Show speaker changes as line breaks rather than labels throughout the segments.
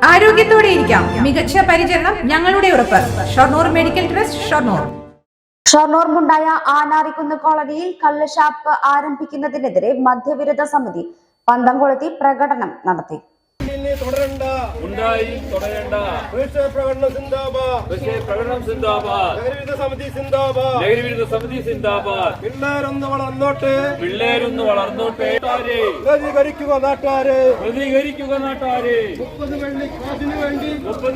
ആരോഗ്യത്തോടെ ഇരിക്കാം. മികച്ച പരിചരണം ഞങ്ങളുടെ ഉറപ്പ്. Shoranur medical trust, Shoranur.
ഷൊർണൂർ ആനാറിക്കുന്ന് കോളനിയിൽ കള്ളുഷാപ്പ് ആരംഭിക്കുന്നതിനെതിരെ മദ്യവിരുദ്ധ സമിതി പന്തംകൊളുത്തി പ്രകടനം നടത്തി.
പിള്ളേരൊന്ന് വളർന്നോട്ടെ. പ്രതികരിക്കുക നാട്ടാരെ. 30 വെള്ളി കാശിന് വേണ്ടി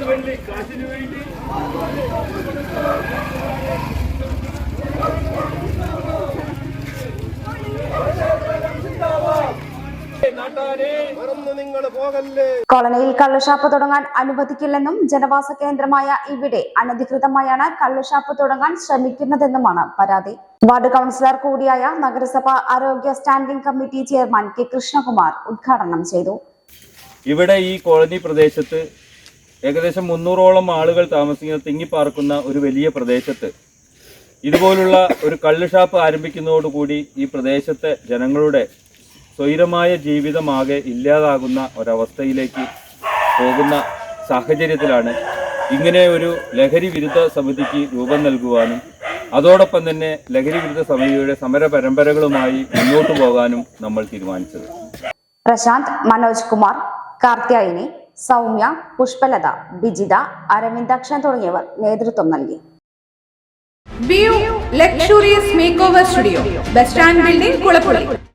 കോളനിയിൽ കള്ളുഷാപ്പ് തുടങ്ങാൻ അനുവദിക്കില്ലെന്നും ജനവാസ കേന്ദ്രമായ ഇവിടെ അനധികൃതമായാണ് കള്ളുഷാപ്പ് തുടങ്ങാൻ ശ്രമിക്കുന്നതെന്നുമാണ് പരാതി. വാർഡ് കൗൺസിലർ കൂടിയായ നഗരസഭ ആരോഗ്യ standing committee chairman K Krishnakumar ഉദ്ഘാടനം ചെയ്തു.
ഇവിടെ ഈ കോളനി പ്രദേശത്ത് ഏകദേശം 300ഓളം ആളുകൾ താമസിക്കുന്ന തിങ്ങിപ്പാർക്കുന്ന ഒരു വലിയ പ്രദേശത്ത് ഇതുപോലുള്ള ഒരു കള്ളുഷാപ്പ് ആരംഭിക്കുന്നതോടുകൂടി ഈ പ്രദേശത്തെ ജനങ്ങളുടെ സ്വൈരമായ ജീവിതമാകെ ഇല്ലാതാകുന്ന ഒരവസ്ഥയിലേക്ക് പോകുന്ന സാഹചര്യത്തിലാണ് ഇങ്ങനെ ഒരു ലഹരി വിരുദ്ധ സമിതിക്ക് രൂപം നൽകുവാനും അതോടൊപ്പം തന്നെ ലഹരി വിരുദ്ധ സമിതിയുടെ സമര പരമ്പരകളുമായി മുന്നോട്ടു പോകാനും നമ്മൾ തീരുമാനിച്ചത്.
പ്രശാന്ത്, മനോജ് കുമാർ, കാർത്യായനി, സൗമ്യ, പുഷ്പലത, ബിജിത, അരവിന്ദാക്ഷൻ തുടങ്ങിയവർ നേതൃത്വം നൽകി.
View luxurious makeover studio, bus stand building, Kulappully.